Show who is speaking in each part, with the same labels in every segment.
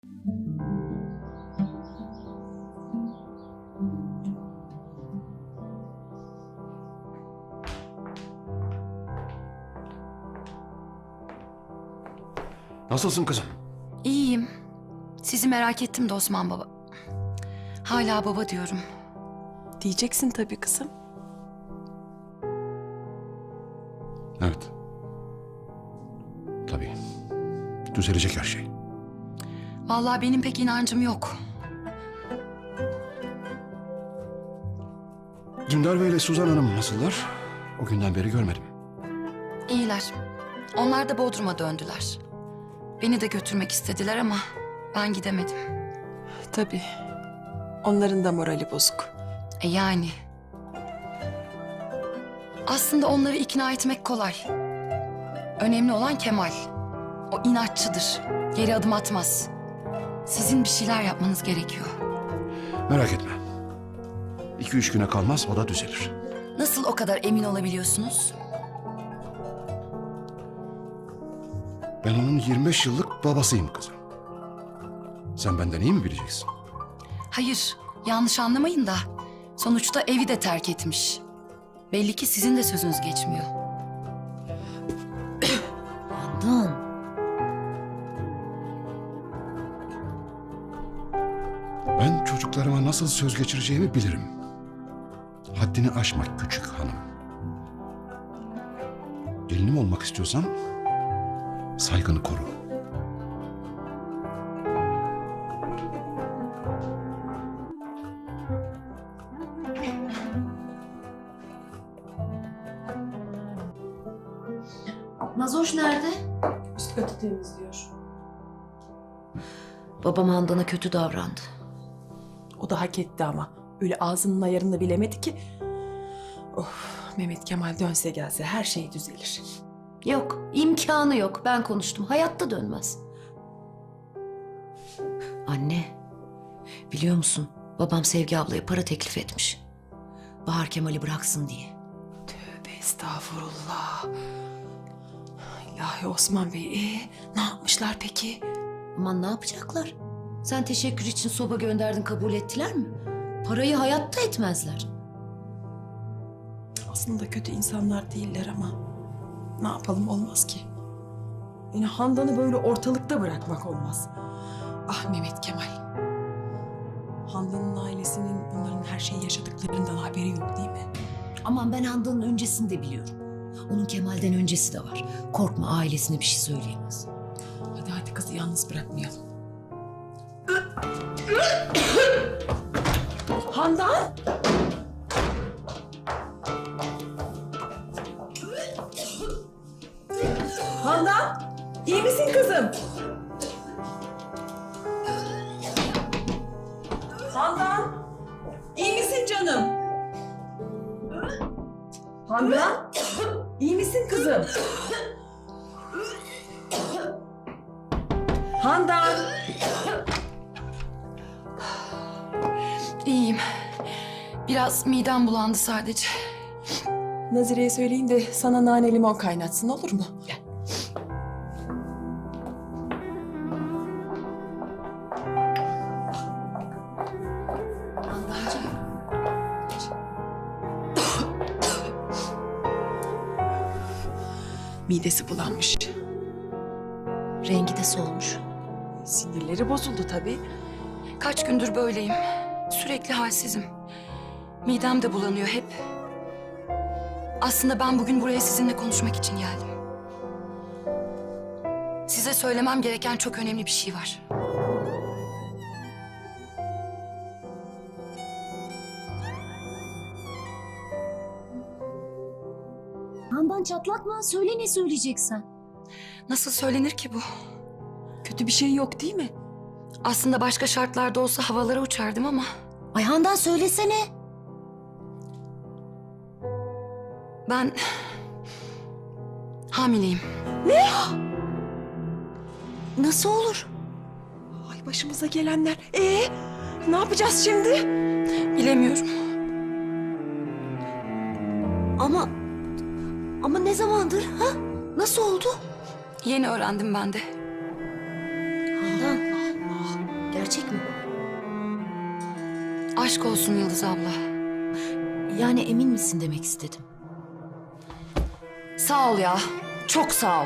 Speaker 1: Nasılsın kızım?
Speaker 2: İyiyim. Sizi merak ettim de Osman baba. Hala baba diyorum.
Speaker 3: Diyeceksin tabii kızım.
Speaker 1: Evet. Tabii. Düzelecek her şey.
Speaker 2: Vallahi benim pek inancım yok.
Speaker 1: Dündar Bey ile Suzan Hanım nasıllar? O günden beri görmedim.
Speaker 2: İyiler. Onlar da Bodrum'a döndüler. Beni de götürmek istediler ama ben gidemedim.
Speaker 3: Tabii. Onların da morali bozuk.
Speaker 2: Yani. Aslında onları ikna etmek kolay. Önemli olan Kemal. O inatçıdır. Geri adım atmaz. Sizin bir şeyler yapmanız gerekiyor.
Speaker 1: Merak etme. 2-3 güne kalmaz, o da düzelir.
Speaker 2: Nasıl o kadar emin olabiliyorsunuz?
Speaker 1: Ben onun 25 yıllık babasıyım kızım. Sen benden iyi mi bileceksin?
Speaker 2: Hayır, yanlış anlamayın da. Sonuçta evi de terk etmiş. Belli ki sizin de sözünüz geçmiyor.
Speaker 4: Handan.
Speaker 1: Ben çocuklarıma nasıl söz geçireceğimi bilirim. Haddini aşma küçük hanım. Gelinim olmak istiyorsan saygını koru.
Speaker 4: Nazoş nerede?
Speaker 3: Üst katı temizliyor.
Speaker 4: Babam Handan'a kötü davrandı.
Speaker 3: O da hak etti ama. Öyle ağzının ayarını bilemedi ki. Of, Mehmet Kemal dönse gelse her şey düzelir.
Speaker 4: Yok, imkanı yok. Ben konuştum. Hayatta dönmez. Anne, biliyor musun? Babam Sevgi ablaya para teklif etmiş. Bahar Kemal'i bıraksın diye.
Speaker 3: Tövbe estağfurullah. İlahi Osman Bey, ne yapmışlar peki?
Speaker 4: Aman ne yapacaklar? Sen teşekkür için soba gönderdin, kabul ettiler mi? Parayı hayatta etmezler.
Speaker 3: Aslında kötü insanlar değiller ama ne yapalım, olmaz ki. Yani Handan'ı böyle ortalıkta bırakmak olmaz. Ah Mehmet Kemal. Handan'ın ailesinin bunların her şeyi yaşadıklarından haberi yok değil mi?
Speaker 4: Aman ben Handan'ın öncesini de biliyorum. Onun Kemal'den öncesi de var. Korkma, ailesine bir şey söyleyemez.
Speaker 3: Hadi kızı yalnız bırakmayalım. Handan! Handan! İyi misin kızım? Handan! İyi misin canım? Handan! İyi misin kızım? Handan!
Speaker 2: İyiyim. Biraz midem bulandı sadece.
Speaker 3: Nazire'ye söyleyin de sana nane limon kaynatsın, olur mu? Gel.
Speaker 4: Handancığım.
Speaker 3: Midesi bulanmış.
Speaker 4: Rengi de solmuş.
Speaker 3: Sinirleri bozuldu tabii.
Speaker 2: Kaç gündür böyleyim. Sürekli halsizim. Midem de bulanıyor hep. Aslında ben bugün buraya sizinle konuşmak için geldim. Size söylemem gereken çok önemli bir şey var.
Speaker 4: Handan çatlatma. Söyle ne söyleyeceksen.
Speaker 2: Nasıl söylenir ki bu?
Speaker 3: Kötü bir şey yok değil mi?
Speaker 2: Aslında başka şartlarda olsa havalara uçardım ama...
Speaker 4: Ay Handan söylesene.
Speaker 2: Ben... hamileyim.
Speaker 4: Nasıl olur?
Speaker 3: Ay başımıza gelenler. Ne yapacağız şimdi?
Speaker 2: Bilemiyorum.
Speaker 4: Ama ne zamandır ha? Nasıl oldu?
Speaker 2: Yeni öğrendim ben de.
Speaker 4: Handan.
Speaker 3: Allah.
Speaker 2: Aşk olsun Yıldız abla.
Speaker 4: Yani emin misin demek istedim.
Speaker 2: Sağ ol ya. Çok sağ ol.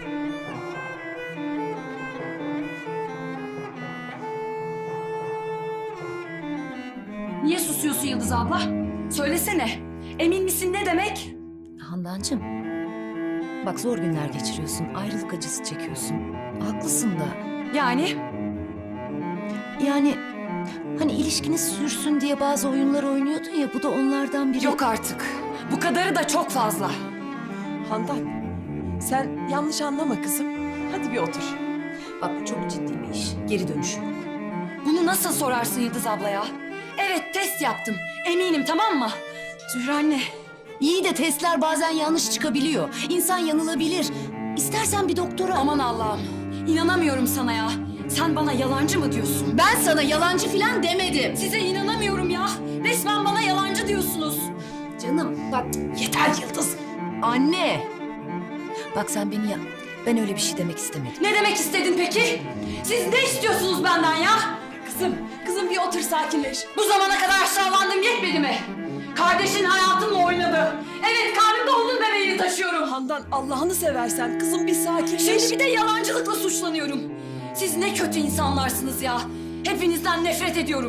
Speaker 2: Niye susuyorsun Yıldız abla? Söylesene. Emin misin ne demek?
Speaker 4: Handancığım, bak zor günler geçiriyorsun, ayrılık acısı çekiyorsun. Haklısın da.
Speaker 2: Yani
Speaker 4: Yani hani ilişkiniz sürsün diye bazı oyunlar oynuyordun ya, bu da onlardan biri.
Speaker 2: yok artık. Bu kadarı da çok fazla.
Speaker 3: Handan, sen yanlış anlama kızım. Hadi bir otur.
Speaker 4: Bak bu çok ciddi bir iş. Geri dönüşü yok.
Speaker 2: Bunu nasıl sorarsın Yıldız abla ya? Evet test yaptım. Eminim tamam mı? Zühre anne.
Speaker 4: İyi de testler bazen yanlış çıkabiliyor. İnsan yanılabilir. İstersen bir doktora...
Speaker 2: Aman Allah'ım. İnanamıyorum sana ya. Sen bana yalancı mı diyorsun?
Speaker 4: Ben sana yalancı falan demedim.
Speaker 2: Size inanamıyorum ya. Resmen bana yalancı diyorsunuz.
Speaker 4: Canım bak yeter Yıldız. Anne. Bak sen beni ya... Ben öyle bir şey demek istemedim.
Speaker 2: Ne demek istedin peki? Siz ne istiyorsunuz benden ya? Kızım bir otur sakinleş. Bu zamana kadar aşağılandım yetmedi mi? Kardeşin hayatımla oynadı. Evet karnımda onun bebeğini taşıyorum.
Speaker 3: Handan Allah'ını seversen kızım bir sakinleş.
Speaker 2: Şimdi bir de yalancılıkla suçlanıyorum. Siz ne kötü insanlarsınız ya. Hepinizden nefret ediyorum.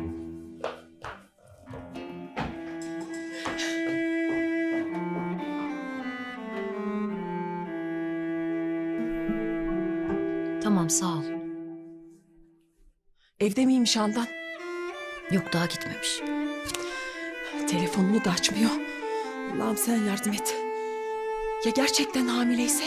Speaker 4: Tamam sağ ol.
Speaker 3: Evde miymiş Handan?
Speaker 4: Yok daha gitmemiş.
Speaker 3: Telefonunu da açmıyor. Allah'ım sen yardım et. Ya gerçekten hamileyse?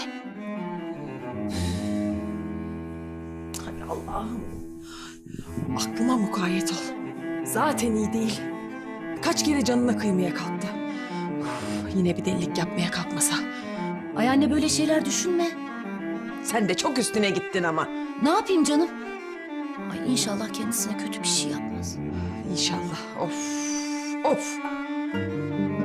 Speaker 3: Hay Allah'ım. Aklıma mukayyet ol. Zaten iyi değil. Kaç kere canına kıymaya kalktı. Yine bir delilik yapmaya kalkmasa.
Speaker 4: Ay anne böyle şeyler düşünme.
Speaker 3: Sen de çok üstüne gittin ama.
Speaker 4: Ne yapayım canım? Ay inşallah kendisine kötü bir şey yapmaz.
Speaker 3: İnşallah. Of. Of.